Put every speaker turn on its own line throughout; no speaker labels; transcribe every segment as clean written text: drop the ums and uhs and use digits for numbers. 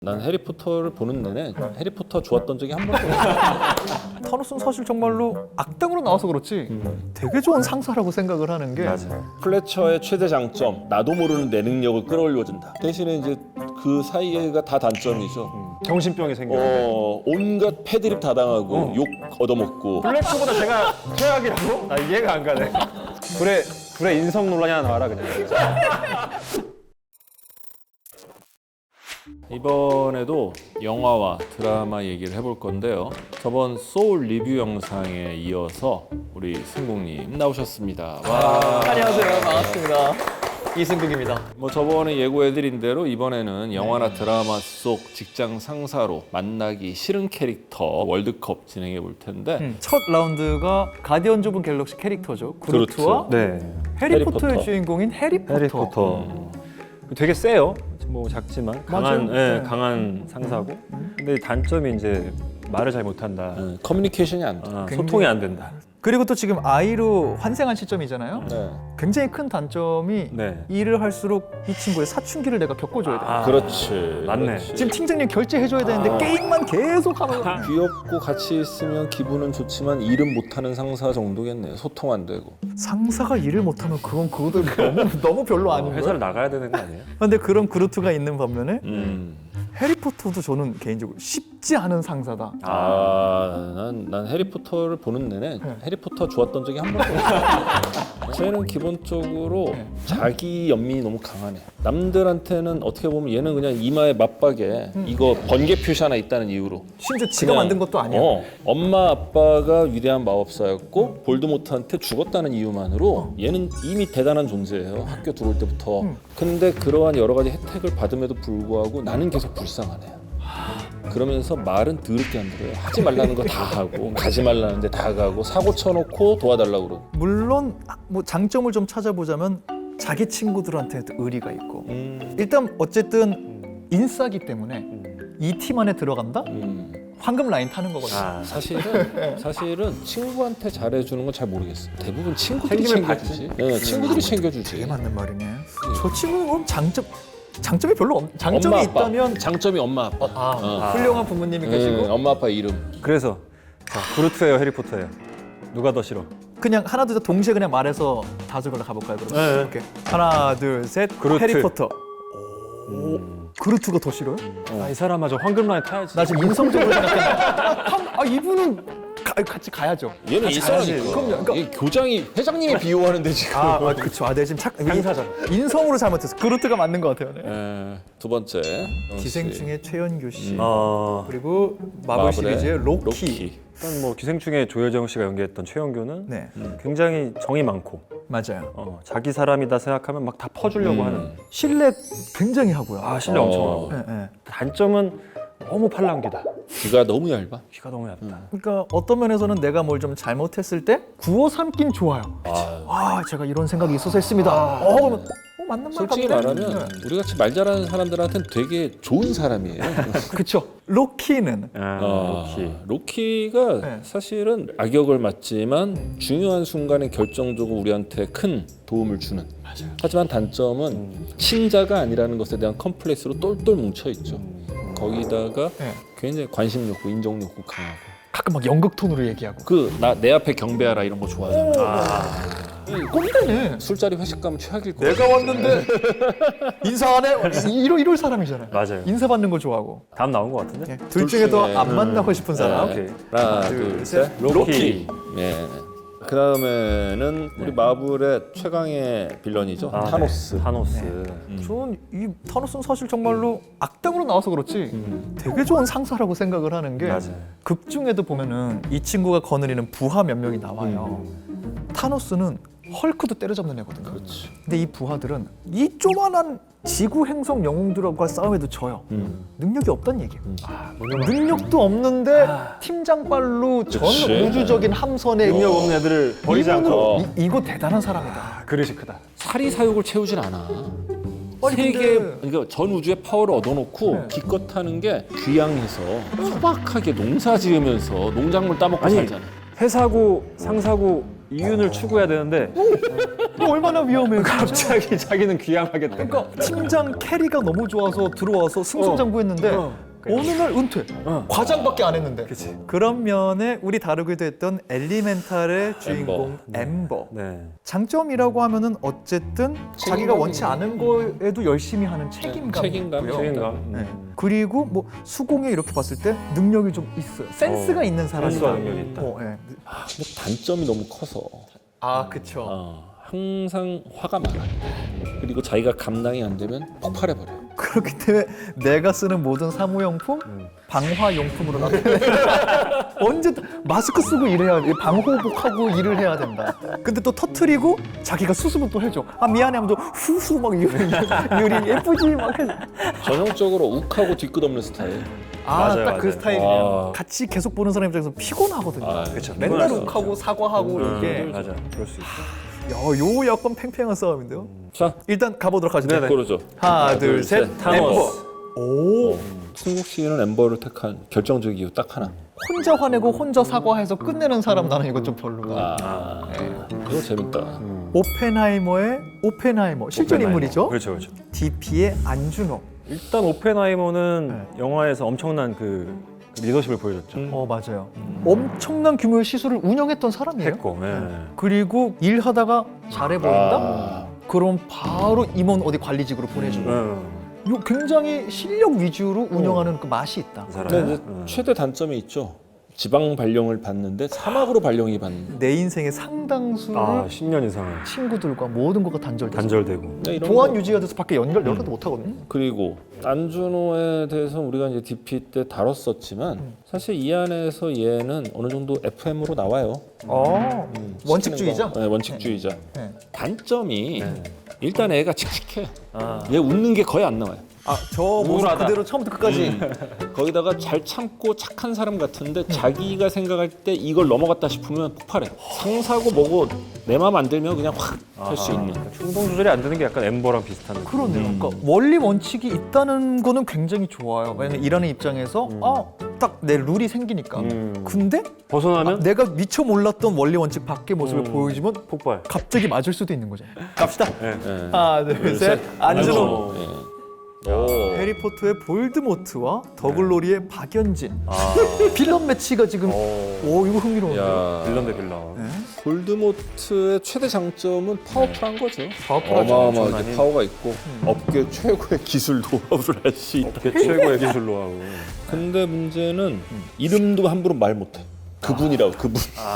난 해리포터를 보는 내내 해리포터 좋았던 적이 한 번도 없어.
타노스는 사실 정말로 악당으로 나와서 그렇지 되게 좋은 상사라고 생각을 하는 게
플래처의 최대 장점, 나도 모르는 내 능력을 끌어올려준다. 대신에 이제 그 사이가 다 단점이죠.
정신병이 생겨요.
온갖 패드립 다 당하고 욕 얻어먹고.
블랙초보다 제가 최악이라고? 나 이해가 안 가네. 불에 인성 논란이 하나 나와라 그냥.
이번에도 영화와 드라마 얘기를 해볼 건데요. 저번 소울 리뷰 영상에 이어서 우리 승국님 나오셨습니다. 와.
안녕하세요, 반갑습니다. 이승국입니다.
뭐 저번에 예고해드린 대로 이번에는 영화나 드라마 속 직장 상사로 만나기 싫은 캐릭터 월드컵 진행해 볼 텐데
첫 라운드가 가디언즈 오브 갤럭시 캐릭터죠. 그루트와
네.
해리포터의
해리포터.
주인공인 해리포터.
해리포터. 되게 세요. 뭐 작지만 강한,
맞아요. 네.
강한 상사고. 근데 단점이 이제 말을 잘 못한다.
커뮤니케이션이 안 돼.
소통이 안 된다.
그리고 또 지금 아이로 환생한 시점이잖아요.
네.
굉장히 큰 단점이
네.
일을 할수록 이 친구의 사춘기를 내가 겪어줘야 돼.
그렇지.
맞네.
그렇지.
지금 팀장님 결제해줘야 되는데 게임만 계속 하면
귀엽고 같이 있으면 기분은 좋지만 일은 못하는 상사 정도겠네요. 소통 안 되고.
상사가 일을 못하면 그것도 너무 별로 아닌
회사를
거예요.
나가야 되는 거 아니에요?
근데 그런 그루트가 있는 반면에
음.
해리포터도 저는 개인적으로 쉽지 않은 상사다.
난 해리포터를 보는 내내 해리포터 좋았던 적이 한 번도 없어. 쟤는 기본적으로 자기 연민이 너무 강하네. 남들한테는 어떻게 보면 얘는 그냥 이마에 맞박에 이거 번개 표시 하나 있다는 이유로
심지어 지가 만든 것도 아니야.
엄마 아빠가 위대한 마법사였고 볼드모트한테 죽었다는 이유만으로 얘는 이미 대단한 존재예요. 학교 들어올 때부터. 근데 그러한 여러 가지 혜택을 받음에도 불구하고 나는 계속 불쌍하네. 그러면서 말은 더럽게 안 들어요. 하지 말라는 거 다 하고 가지 말라는데 다 가고 사고 쳐놓고 도와달라고 그러고.
물론 뭐 장점을 좀 찾아보자면 자기 친구들한테도 의리가 있고 일단 어쨌든 인싸기 때문에 이 팀 안에 들어간다? 황금 라인 타는 거거든요.
사실은 친구한테 잘해주는 건 잘 모르겠어. 대부분 친구들이
챙기면
챙겨주지. 네, 친구들이 챙겨주지.
되게 맞는 말이네. 저 친구는 그럼 장점이 별로 장점이
엄마, 아빠.
있다면
장점이 엄마 아빠.
훌륭한 부모님이 계시고
엄마 아빠 이름.
그래서 자, 그루트예요, 해리포터예요. 누가 더 싫어?
그냥 하나 둘 셋 동시에 그냥 말해서 다섯 걸로 가볼까요? 그럼
네.
오케이. 하나 둘 셋
그루트.
해리포터. 그루트가 더 싫어요?
이 사람마저 황금 라인 타야지.
나 지금 인성적으로 생각했는데 이분은 같이 가야죠.
얘는
같이
인싸니까.
가야지. 그럼요.
얘 교장이 회장님이 비호하는데 지금.
그쵸. 내 지금
행사잖아.
인성으로 잘못했어. 그루트가 맞는 것 같아요.
두 번째.
기생충의 최연규 씨
그리고
그리고 마블 시리즈의 로키.
로키.
일단 뭐 기생충에 조여정 씨가 연기했던 최영규는
네,
굉장히 정이 많고
맞아요.
자기 사람이다 생각하면 막 다 퍼주려고 하는.
신뢰 굉장히 하고요.
신뢰 엄청 하고.
네.
단점은 너무 팔랑귀다.
귀가 너무 얇아.
귀가 너무 얇다.
그러니까 어떤 면에서는 내가 뭘 좀 잘못했을 때 구워 삼긴 좋아요. 제가 이런 생각이 있어서 했습니다. 그러면 맞는 말
솔직히
같네.
말하면 우리 같이 말 잘하는 사람들한테는 되게 좋은 사람이에요.
그쵸. 로키는
로키가
네.
사실은 악역을 맡지만 중요한 순간에 결정적으로 우리한테 큰 도움을 주는. 하지만 단점은 친자가 아니라는 것에 대한 컴플렉스로 똘똘 뭉쳐 있죠. 거기다가
네.
굉장히 관심 욕구, 인정 욕구 강하고.
가끔 막 연극 톤으로 얘기하고.
내 앞에 경배하라 이런 거 좋아하잖아.
꼰대네.
술자리 회식 가면 최악일 거야.
내가 왔는데 인사 안 해? 이럴 사람이잖아요.
맞아요.
인사 받는 거 좋아하고.
다음 나온 것 같은데?
둘 중에 더
중에.
안 만나고 싶은 사람.
네.
오케이.
하나,
둘,
둘,
셋.
셋. 로키. 예. 그 다음에는 우리 마블의 최강의 빌런이죠. 타노스.
타노스.
저는 이 타노스는 사실 정말로 악당으로 나와서 그렇지 되게 좋은 상사라고 생각을 하는 게
맞아요.
극 중에도 보면은 이 친구가 거느리는 부하 몇 명이 나와요. 타노스는 헐크도 때려잡는 애거든요. 근데 이 부하들은 이 조만한 지구 행성 영웅들과 싸움에도 져요. 능력이 없단 얘기예요. 능력도 없는데 팀장발로 전
그치.
우주적인 함선에
능력 없는 애들을 버리지
이분은
않고.
이거 대단한 사람이다.
그릇이 크다.
사리사욕을 채우질 않아.
아니,
세계
근데-
그러니까 전 우주의 파워를 얻어놓고 기껏 하는 게 귀향해서 소박하게 농사 지으면서 농작물 따먹고 살잖아.
회사고 상사고 이윤을 추구해야 되는데
얼마나 위험해요.
갑자기 자기는 귀향하겠다.
그러니까 팀장 캐리가 너무 좋아서 들어와서 승승장구했는데 어느 날 은퇴. 과장밖에 안 했는데. 그런 면에 우리 다루기도 했던 엘리멘탈의 주인공 엠버.
네.
장점이라고 하면은 어쨌든 자기가 원치 않은 거에도 열심히 하는 책임감이
책임감,
있고요.
책임감.
네. 그리고 뭐 수공예 이렇게 봤을 때 능력이 좀 있어요. 센스가 있는 사람이다.
센스와 능력이 있다.
네.
근데 단점이 너무 커서
아, 그쵸.
항상 화가 많아. 그리고 자기가 감당이 안 되면 폭발해버려.
그렇기 때문에 내가 쓰는 모든 사무용품 방화용품으로 나타내. 언제 마스크 쓰고 일해야 돼. 방호복하고 일을 해야 된다. 근데 또 터트리고 자기가 수습을 또 해줘. 아 미안해 하면 또 후후 막 유리 예쁘지 막 해서.
전형적으로 욱하고 뒤끝없는 스타일.
맞아요,
딱 그
맞아요.
스타일이에요. 같이 계속 보는 사람 입장에서 피곤하거든요.
그렇죠.
맨날 욱하고 사과하고 이게.
맞아. 그럴 수 있어.
요 약간 팽팽한 싸움인데요.
자,
일단 가보도록 하죠.
그러죠.
하나, 둘, 셋.
타노스.
오.
승국 씨는 엠버를 택한 결정적 이유 딱 하나.
혼자 화내고 혼자 사과해서 끝내는 사람 나는 이거 좀 별로가.
이거 재밌다.
오펜하이머의 오펜하이머 실존
오펜하이머.
인물이죠.
그렇죠, 그렇죠.
DP의 안준호.
일단 오펜하이머는 영화에서 엄청난 그 리더십을 보여줬죠.
맞아요. 엄청난 규모의 시설을 운영했던 사람이에요.
했고, 네.
그리고 일하다가 잘해 보인다. 그럼 바로 임원 어디 관리직으로 보내주고. 요 굉장히 실력 위주로 운영하는 그 맛이 있다.
그 사람.
근데 이제 최대 단점이 있죠. 지방 발령을 받는데 사막으로 발령이 받는.
내 인생의 상당수를
10년 이상은
친구들과 모든 것과 단절되죠.
단절되고.
네, 이런
보안
거.
유지가 돼서 밖에 연락도 못 하거든요.
그리고 안준호에 대해서 우리가 이제 DP 때 다뤘었지만 사실 이 안에서 얘는 어느 정도 FM으로 나와요.
원칙주의자.
네, 원칙주의자.
네.
단점이 일단 애가 칙칙해. 얘 웃는 게 거의 안 나와요.
저 모습
우울하다.
그대로 처음부터 끝까지.
거기다가 잘 참고 착한 사람 같은데 자기가 생각할 때 이걸 넘어갔다 싶으면 폭발해. 상사고 뭐고 내 마음 안 들면 그냥 확 할 수 있는.
충동 조절이 안 되는 게 약간 엠버랑 비슷한 느낌.
그러네요. 그러니까 원리 원칙이 있다는 거는 굉장히 좋아요. 왜냐면 일하는 입장에서 딱 내 룰이 생기니까. 근데
벗어나면
내가 미처 몰랐던 원리 원칙 밖의 모습을 보여주면
폭발.
갑자기 맞을 수도 있는 거죠. 갑시다.
네.
하나, 둘, 셋. 안준호.
네.
해리포터의 볼드모트와 더글로리의 박연진. 빌런 매치가 지금. 오 이거 흥미로운데요.
야,
빌런 대 빌런.
볼드모트의 최대 장점은 파워풀한 거죠.
파워풀하죠.
어마어마하게
엄청나게.
파워가 있고 업계 최고의 기술 노하우를 할 수 있다.
업계 최고의 기술로 하고.
근데 문제는 이름도 함부로 말 못해. 그분이라고 그분.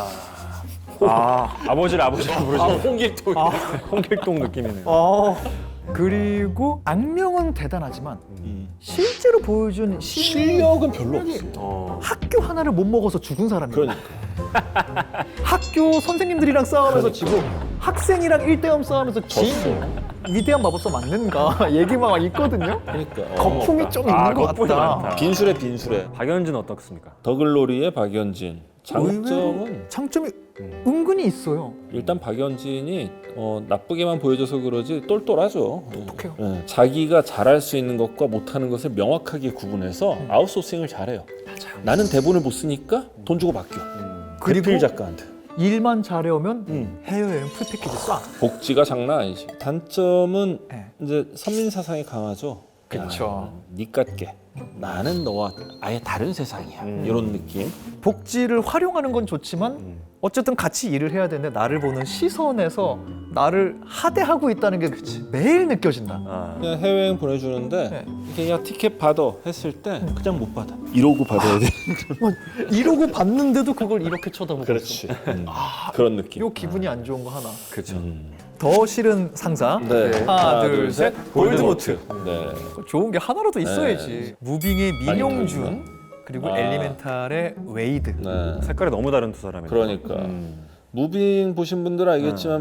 아버지를 부르죠. 홍길동. 홍길동 느낌이네요.
그리고 악명은 대단하지만 실제로 보여준
실력은 별로 없어.
학교 하나를 못 먹어서 죽은 사람이에요.
그러니까
학교 선생님들이랑 싸우면서 지고 학생이랑 1대0 싸우면서 진 위대한 마법사 맞는가 얘기만 있거든요.
그러니까
거품이 좀 있는 것
거품이
같다.
많다.
빈술에
박연진 어떻습니까?
더글로리의 박연진. 장점은
장점이 은근히 있어요.
일단 박연진이 나쁘게만 보여줘서 그러지 똘똘하죠.
똑똑해요.
예, 자기가 잘할 수 있는 것과 못하는 것을 명확하게 구분해서 아웃소싱을 잘해요. 나는 대본을 못 쓰니까 돈 주고 맡겨.
그리고
대필 작가한테.
일만 잘해오면 해외여행 풀 패키지 쏴.
복지가 장난 아니지. 단점은
네.
이제 선민 사상이 강하죠.
그쵸.
니 같게. 나는 너와 아예 다른 세상이야. 이런 느낌.
복지를 활용하는 건 좋지만 어쨌든 같이 일을 해야 되는데 나를 보는 시선에서 나를 하대하고 있다는 게 매일 느껴진다.
그냥 해외여행 보내주는데
네.
이게 야 티켓 받아 했을 때 그냥 못 받아. 이러고 받아야 돼.
이러고 봤는데도 그걸 이렇게 쳐다보고
그렇지.
있어.
그런 느낌.
요 기분이 안 좋은 거 하나.
그렇죠.
더 싫은 상사.
네.
하나, 둘, 셋. 볼드모트.
네.
좋은 게 하나라도 있어야지. 무빙의 민용준 그리고 엘리멘탈의 웨이드.
네.
색깔이 너무 다른 두 사람이네요.
그러니까 무빙 보신 분들은 알겠지만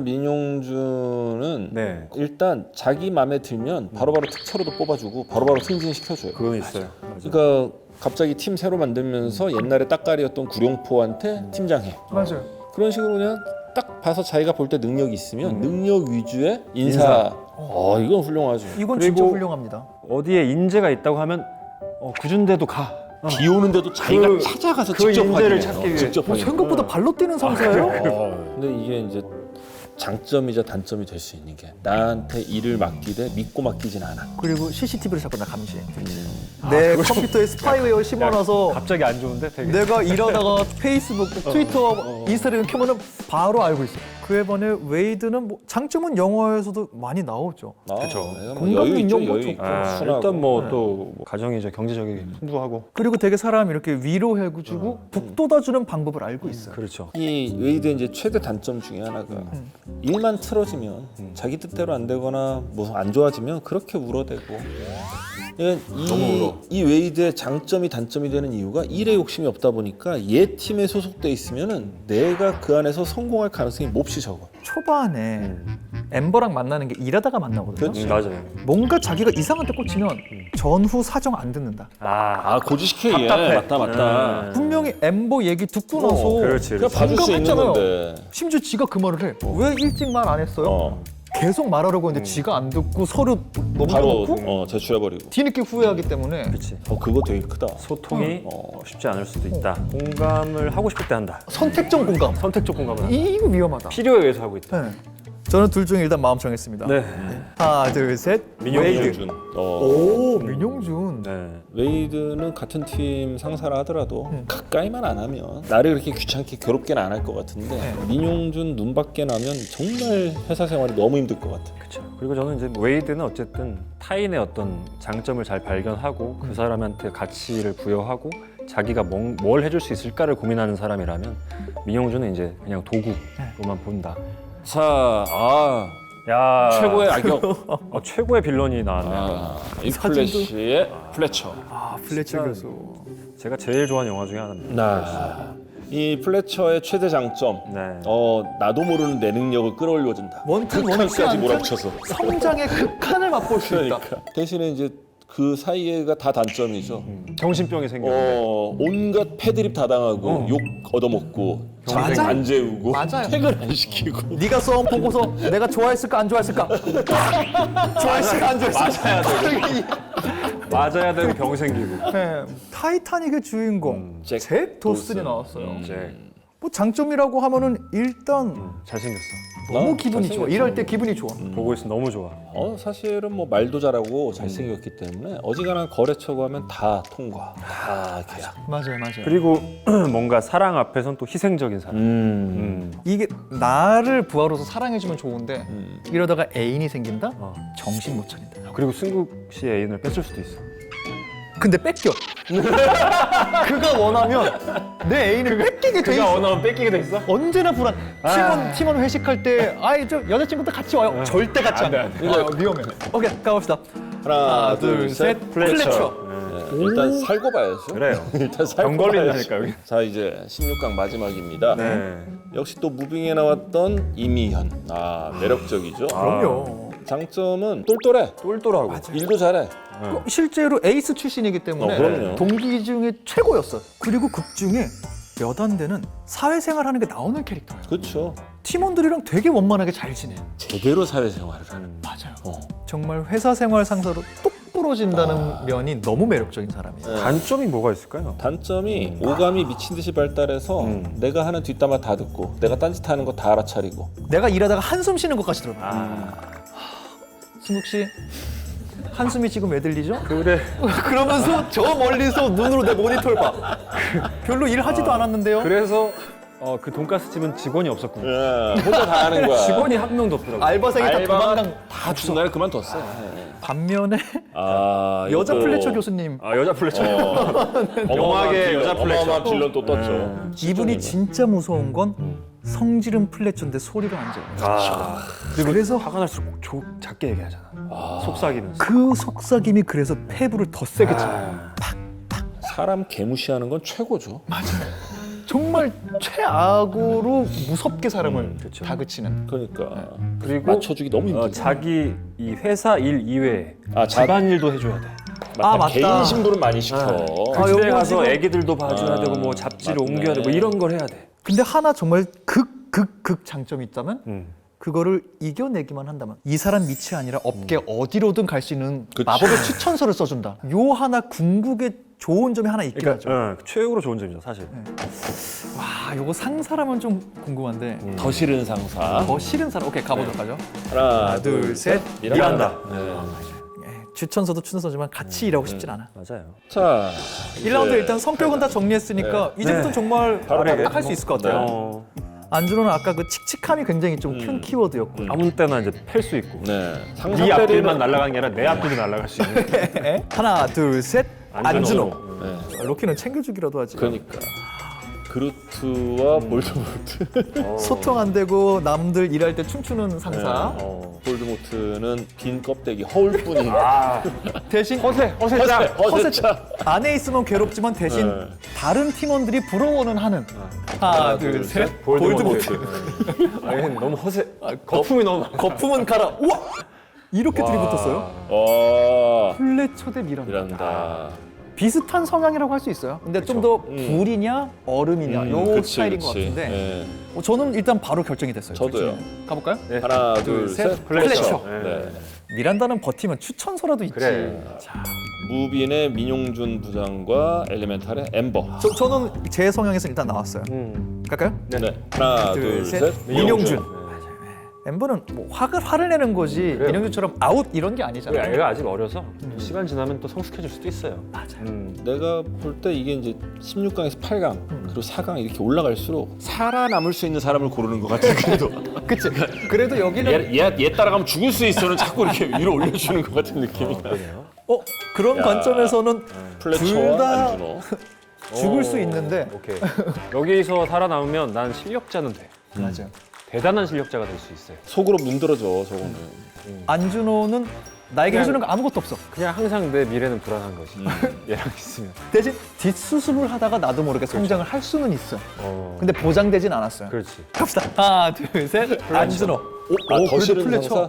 민용준은
네.
일단 자기 마음에 들면 바로바로 특차로도 뽑아주고 바로바로 승진시켜줘요.
그건 있어요.
그러니까 갑자기 팀 새로 만들면서 옛날에 딱가리였던 구룡포한테 팀장해.
맞아요.
그런 식으로 그냥 딱 봐서 자기가 볼 때 능력이 있으면 능력 위주의 인사. 이건 훌륭하죠.
이건
그리고
진짜 훌륭합니다.
어디에 인재가 있다고 하면 구준대도 가.
비 오는데도 자기가
그-
찾아가서
그
직접
인재를
확인해요.
찾기 위해.
직접 확인.
생각보다 발로 뛰는 상사예요?
근데 이게 이제 장점이자 단점이 될 수 있는 게 나한테 일을 맡기되 믿고 맡기진 않아.
그리고 CCTV를 자꾸 나 감시해. 내 컴퓨터에 스파이웨어 심어놔서
갑자기 안 좋은데 되게.
내가 일하다가 페이스북, 트위터, 인스타그램 켜면은 바로 알고 있어. 그에 반해 웨이드는 뭐 장점은 영화에서도 많이 나오죠.
그쵸.
공감
여유 있죠,
능력도
여유
좋고.
있고.
아,
순하고.
일단 뭐 또 가정이죠. 경제적인 풍부하고.
그리고 되게 사람 이렇게 위로해주고 북돋아주는 방법을 알고 있어요.
그렇죠.
이 웨이드의 이제 최대 단점 중에 하나가 일만 틀어지면 자기 뜻대로 안 되거나 뭐 안 좋아지면 그렇게 울어대고. 이 웨이드의 장점이 단점이 되는 이유가 일에 욕심이 없다 보니까 얘 팀에 소속돼 있으면은 내가 그 안에서 성공할 가능성이 몹시 적어.
초반에 엠버랑 만나는 게 일하다가 만나거든요.
맞아요.
뭔가 자기가 이상한 데 꽂히면 전후 사정 안 듣는다.
아,
고지식해 얘.
답답해.
맞다.
분명히 엠버 얘기 듣고 나서
그렇지.
그냥 봐줄 수 있는
공감했잖아요.
건데.
심지어 지가 그 말을 해. 왜 일찍 말 안 했어요? 계속 말하려고 했는데 지가 안 듣고 서류
바로
넘겨놓고
제출해버리고.
뒤늦게 후회하기 때문에
그렇지.
그거 되게 크다.
소통이 쉽지 않을 수도 있다. 공감을 하고 싶을 때 한다.
선택적 공감.
선택적 공감을 한다.
이거 위험하다.
필요에 의해서 하고 있다.
네. 저는 둘 중에 일단 마음 정했습니다.
네.
하나, 둘, 셋.
민용준.
오, 민용준.
네.
웨이드는 같은 팀 상사라 하더라도 가까이만 안 하면 나를 그렇게 귀찮게 괴롭게는 안 할 것 같은데 민용준 눈 밖에 나면 정말 회사 생활이 너무 힘들 것 같아.
그렇죠. 그리고 저는 이제 웨이드는 어쨌든 타인의 어떤 장점을 잘 발견하고 그 사람한테 가치를 부여하고 자기가 뭘 해줄 수 있을까를 고민하는 사람이라면 민용준은 이제 그냥 도구로만 본다.
자,
야,
최고의 악역.
최고의 빌런이 나왔네요.
이 플래시의 플래처.
플래처 교수.
제가 제일 좋아하는 영화 중에 하나입니다.
이 플래처의 최대 장점.
네.
나도 모르는 내 능력을 끌어올려준다.
원튼
극한까지
원치
몰아붙여서.
성장의 극한을 맛볼 수 있다.
그러니까. 대신에 이제 그 사이에가 다 단점이죠.
정신병이 생겼는데.
온갖 패드립 다 당하고 욕 얻어먹고 장생
맞아요.
안 재우고
맞아요.
퇴근 안 시키고.
네가 써온 보고서 내가 좋아했을까 안 좋아했을까? 좋아했을까 안 좋아했을까?
맞아야 되고 병 생기고.
네. 타이타닉의 주인공 잭 도슨이 나왔어요.
이제
뭐 장점이라고 하면은 일단
잘생겼어.
너무 기분이 좋아.
잘생겼죠.
일할 때 기분이 좋아.
보고 있으면 너무 좋아.
사실은 뭐 말도 잘하고 잘생겼기 때문에 어지간한 거래처 가면 다 통과, 다 계약.
맞아요.
그리고 뭔가 사랑 앞에선 또 희생적인 사람.
이게 나를 부하로서 사랑해주면 좋은데 이러다가 애인이 생긴다? 정신 못 차린다.
그리고 승국 씨의 애인을 뺐을 수도 있어.
근데 뺏겨. 그가 원하면 내 애인을 뺏기게 돼 있어.
원하면 뺏기게 돼 있어?
언제나 불안. 팀원 회식할 때 아이 저 여자친구도 같이 와요. 절대 같이 안 돼. 이거 위험해. 오케이 가봅시다.
하나, 둘, 셋.
플래처.
일단 살고 봐야죠.
그래요.
일단 살고
병
봐야죠.
걸린다니까 여기.
자, 이제 16강 마지막입니다.
네.
역시 또 무빙에 나왔던 이미현. 매력적이죠.
그럼요.
장점은 똘똘해.
똘똘하고.
일도 잘해.
실제로 에이스 출신이기 때문에
그럼요.
동기 중에 최고였어. 그리고 극 중에 몇 안 되는 사회생활 하는 게 나오는 캐릭터예요.
그렇죠.
팀원들이랑 되게 원만하게 잘 지내.
제대로 사회생활을 하는.
맞아요. 정말 회사 생활 상사로 똑 부러진다는 면이 너무 매력적인 사람이에요.
단점이 뭐가 있을까요?
단점이 오감이 미친 듯이 발달해서 내가 하는 뒷담화 다 듣고 내가 딴짓하는 거 다 알아차리고.
내가 일하다가 한숨 쉬는 것까지 들어봐. 승국 씨 한숨이 지금 왜 들리죠?
그래.
그러면서 저 멀리서 눈으로 내 모니터를 봐. 별로 일하지도 않았는데요.
그래서 그 돈가스 집은 직원이 없었군요.
혼자 다 하는 거야.
직원이 한 명도 없더라고.
알바생이 다 도망간.
다 중간에 그만뒀어.
반면에
이것도
여자 플래처 교수님
여자 플래처.
어마어마하게
여자 플래처.
어마어마한 빌런 또 떴죠.
이분이 진짜 무서운 건 성질은 플래처인데 소리가 안 져요. 그래서
화가 날수록 작게 얘기하잖아. 속삭이면서.
그 속삭임이 그래서 폐부를 더 세게 쳐요.
사람 개무시하는 건 최고죠.
정말 최악으로 무섭게 사람을
그쵸.
다그치는.
그러니까
그리고
맞춰주기 너무 힘들어.
자기 이 회사 일 이외에
자-
집안일도 해줘야 돼.
맞다.
개인 신부를 많이 시켜.
그 집에
요거
가서
지금-
애기들도 봐줘야 되고 뭐 잡지를
맞네.
옮겨야 되고 이런 걸 해야 돼.
근데 하나 정말 극 장점이 있다면 그거를 이겨내기만 한다면 이 사람 밑이 아니라 업계 어디로든 갈 수 있는
그치.
마법의 추천서를 써준다. 요 하나 궁극의 좋은 점이 하나 있긴 하죠.
최고로 좋은 점이죠, 사실.
와, 요거 상사라면 좀 궁금한데
더 싫은 상사.
더 싫은 사람. 오케이, 가보도록 하죠.
하나,
둘, 셋.
미란다.
추천서도 추천서지만 같이 일하고 싶진 않아.
맞아요.
자,
1라운드
이제
일단 성격은 다 정리했으니까 이제부터 정말
바로
딱 할 수 있을 것 같아요. 안준호는 아까 그 칙칙함이 굉장히 좀 큰 키워드였고.
아무 때나 이제 팰 수 있고.
네.
네 앞길만 날아가는 게 아니라 내 앞길도 날아갈 수 있는.
하나, 둘, 셋. 안준호.
네.
로키는 챙겨주기라도 하지.
그러니까 그루트와 볼드모트.
소통 안 되고 남들 일할 때 춤추는 상사.
볼드모트는 빈 껍데기 허울뿐인.
대신
허세차.
안에 있으면 괴롭지만 대신
네.
다른 팀원들이 부러워는 하는. 하나, 둘, 셋. 볼드모트.
아니, 너무 허세. 거품이 너무 많아.
거품은 가라. 우와! 이렇게 둘이 붙었어요. 플래처 대 미란다.
미란다.
비슷한 성향이라고 할 수 있어요. 근데 좀 더 불이냐 얼음이냐 요
그치,
스타일인
그치.
것 같은데
네.
저는 일단 바로 결정이 됐어요.
저도요.
둘 중에. 가볼까요?
네.
하나,
둘,
둘,
셋.
셋.
플래처.
네.
미란다는 버티면 추천서라도 있지.
그래.
무빈의 민용준 부장과 엘리멘탈의 엠버.
저는 제 성향에서 일단 나왔어요. 갈까요?
네. 하나,
둘,
둘,
셋.
셋.
민용준. 엠버는 뭐 화를 내는 거지 민용준처럼 아웃 이런 게 아니잖아요.
애가 아직 어려서 시간 지나면 또 성숙해질 수도 있어요.
맞아.
내가 볼 때 이게 이제 16강에서 8강 그리고 4강 이렇게 올라갈수록 살아남을 수 있는 사람을 고르는 것 같아. 그래도
그치. 그래도 여기는
얘 따라가면 죽을 수 있어는 자꾸 이렇게 위로 올려주는 것 같은 느낌이야.
그런 관점에서는
플래처와
둘 다
안준호.
죽을 수 있는데
오케이. 여기서 살아남으면 난 실력자는 돼.
맞아요.
대단한 실력자가 될 수 있어요.
속으로 문드러져 저거는.
안준호는 나에게 해주는 거 아무것도 없어.
그냥 항상 내 미래는 불안한 거지. 얘랑 있으면.
대신 뒷수습을 하다가 나도 모르게 성장을 할 수는 있어. 근데 보장되진 않았어요.
그렇지.
갑시다. 하나, 둘, 셋. 안준호.
더
그래도
싫은
플래처.
상사?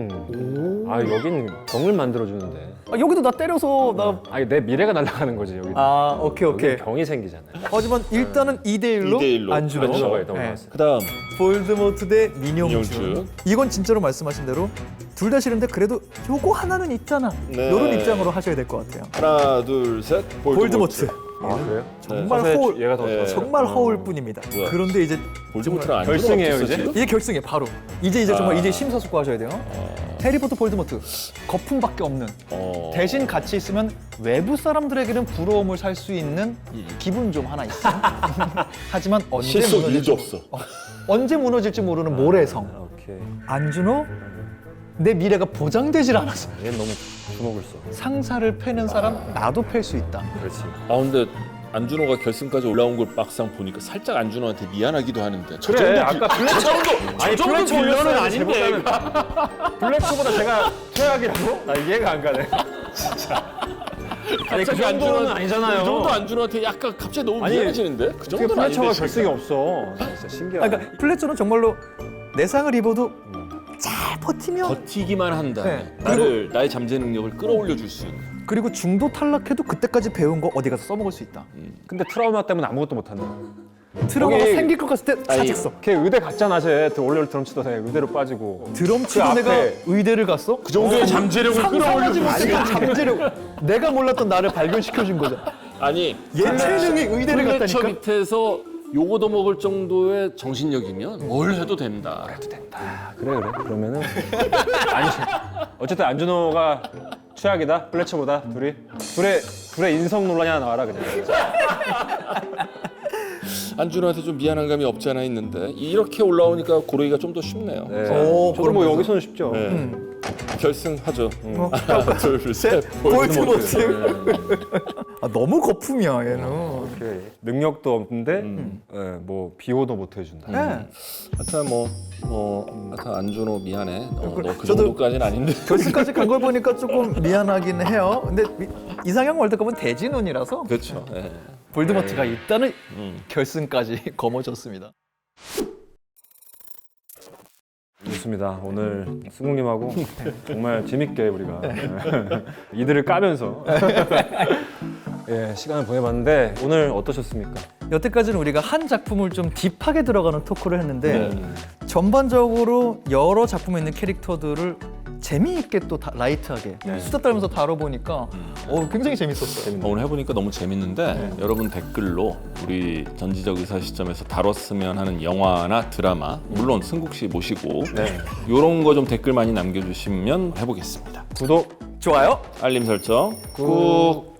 아 여긴 병을 만들어 주는데.
여기도 나 때려서 나.
아니 내 미래가 날아가는 거지 여기.
오케이.
여기 병이 생기잖아요.
하지만 일단은 2대1로
2대1로
안준호.
안준호가
네.
일단 올라왔어요.
그다음
볼드모트 대 민용준.
민용준.
이건 진짜로 말씀하신 대로 둘 다 싫은데 그래도 요거 하나는 있잖아.
네.
요런 입장으로 하셔야 될 것 같아요.
하나, 둘, 셋.
볼드모트.
아 그래요?
정말
사실
허울.
얘가 더
네.
정말 허울 뿐입니다.
뭐야?
그런데 이제
볼드모트랑 안준호
결승이에요,
어땠어,
이제?
지금?
이제 결승에 바로 이제 정말 이제 심사숙고하셔야 돼요. 해리포터 볼드모트 거품밖에 없는 대신 같이 있으면 외부 사람들에게는 부러움을 살 수 있는 기분 좀 하나 있어. 하지만 언제
실속
무너질지,
일도 없어.
언제 무너질지 모르는 모래성.
오케이.
안준호 내 미래가 보장되질 않았어.
얘는 너무 주목을 써.
상사를 패는 사람 나도 팰 수 있다.
그렇지.
근데 안준호가 결승까지 올라온 걸 막상 보니까 살짝 안준호한테 미안하기도 하는데. 저
그래,
정도
아까
저 정도
아니
저 정도
플래처
빌런은
빌런은
아닌데.
아닌데. 블랙초보다 제가 최악이라고? 나 이해가 안 가네. 아니 그
갑자기
정도는
안준호-
아니잖아요.
그 정도 안준호한테 약간 갑자기 너무
아니,
미안해지는데? 그
어떻게
정도는
플래처가
아닌데.
결승이 없어. 진짜 신기하다.
그러니까 플래처는 정말로 내상을 입어도 잘 버티면
버티기만 한다.
네.
나의 잠재 능력을 끌어올려 줄 수 있는.
그리고 중도 탈락해도 그때까지 배운 거 어디 가서 써먹을 수 있다.
근데 트라우마 때문에 아무것도 못 한다.
트라우마가
여기-
생길 것 같을 때 사직 써.
걔 의대 갔잖아, 쟤. 원래 드럼 치던 애 의대로 빠지고.
드럼 치고
그
내가
앞에-
의대를 갔어?
그 정도의 잠재력을 끌어올려 줄 수
아니
있는.
잠재력. 내가 몰랐던 나를 발견시켜준 거죠.
아니
얘 체능이 의대를
플래처
갔다니까.
밑에서 요거도 먹을 정도의 정신력이면 뭘 해도 된다.
그래. 그러면은 아니 어쨌든 안준호가 최악이다. 플래처보다 둘의 인성 논란이 하나 나와라 그냥.
안준호한테 좀 미안한 감이 없지 않아 있는데 이렇게 올라오니까 고르기가 좀 더 쉽네요.
네.
오,
저도 뭐
그러면서.
여기서는 쉽죠.
네. 결승하죠. 하나, 둘, 셋.
볼드모트. 너무 거품이야 얘는.
오케이. 능력도 없는데 뭐 비호도 못 해준다.
네.
하여튼 하여튼 안준호 미안해. 너 그
저도-
정도까지는 아닌데.
결승까지 간 걸 보니까 조금 미안하긴 해요. 근데 이상형 월드컵은 대진운이라서
그렇죠. 예.
볼드모트가 일단은 결승까지 거머졌습니다.
좋습니다. 오늘 승국님하고 정말 재밌게 우리가 이들을 까면서 예, 시간을 보내봤는데 오늘 어떠셨습니까?
여태까지는 우리가 한 작품을 좀 딥하게 들어가는 토크를 했는데
네.
전반적으로 여러 작품에 있는 캐릭터들을 재미있게 또 라이트하게 수다 떨면서 다뤄보니까 굉장히 재밌었어요.
오늘 해보니까 너무 재밌는데 여러분 댓글로 우리 전지적 의사 시점에서 다뤘으면 하는 영화나 드라마, 물론 승국 씨 모시고 이런 거 좀 댓글 많이 남겨주시면 해보겠습니다.
구독
좋아요.
알림 설정 꾹.